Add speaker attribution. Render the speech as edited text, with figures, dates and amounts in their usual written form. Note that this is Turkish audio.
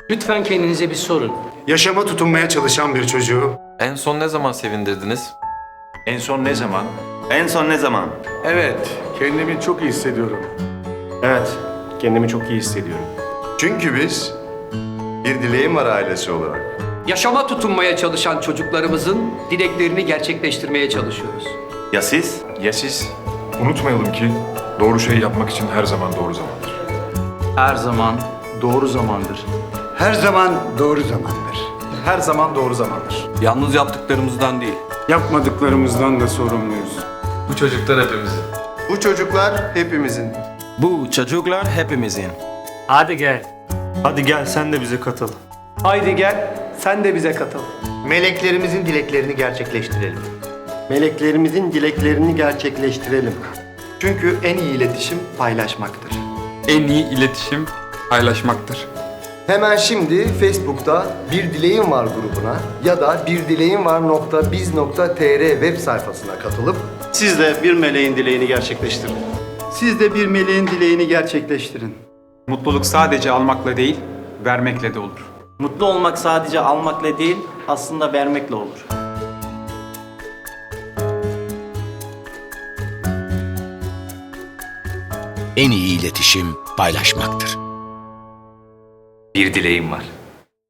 Speaker 1: Lütfen kendinize bir sorun.
Speaker 2: Yaşama tutunmaya çalışan bir çocuğu
Speaker 3: En son ne zaman sevindirdiniz?
Speaker 4: En son ne zaman?
Speaker 5: En son ne zaman?
Speaker 6: Evet, kendimi çok iyi hissediyorum.
Speaker 7: Evet, kendimi çok iyi hissediyorum.
Speaker 8: Çünkü biz bir dileğim var ailesi olarak.
Speaker 1: Yaşama tutunmaya çalışan çocuklarımızın dileklerini gerçekleştirmeye çalışıyoruz.
Speaker 5: Ya siz?
Speaker 4: Ya siz? Unutmayalım ki doğru şeyi yapmak için her zaman doğru zamandır.
Speaker 6: Her zaman doğru zamandır.
Speaker 2: her zaman doğru zamandır.
Speaker 6: Her zaman doğru zamandır.
Speaker 3: Yalnız yaptıklarımızdan değil.
Speaker 2: Yapmadıklarımızdan da sorumluyuz.
Speaker 3: Bu çocuklar hepimizin.
Speaker 8: Bu çocuklar hepimizin.
Speaker 7: Bu çocuklar hepimizin.
Speaker 1: Hadi gel.
Speaker 7: Hadi gel sen de bize katıl.
Speaker 6: Haydi gel, sen de bize katıl.
Speaker 5: Meleklerimizin dileklerini gerçekleştirelim.
Speaker 7: Meleklerimizin dileklerini gerçekleştirelim.
Speaker 5: Çünkü en iyi iletişim paylaşmaktır.
Speaker 3: En iyi iletişim paylaşmaktır.
Speaker 9: Hemen şimdi Facebook'ta Bir Dileğim Var grubuna ya da birdileğimvar.biz.tr web sayfasına katılıp
Speaker 7: Siz de bir meleğin dileğini gerçekleştirin.
Speaker 9: siz de bir meleğin dileğini gerçekleştirin.
Speaker 6: Mutluluk sadece almakla değil, vermekle de olur.
Speaker 10: Mutlu olmak sadece almakla değil, aslında vermekle olur.
Speaker 11: En iyi iletişim paylaşmaktır.
Speaker 5: Bir dileğim var.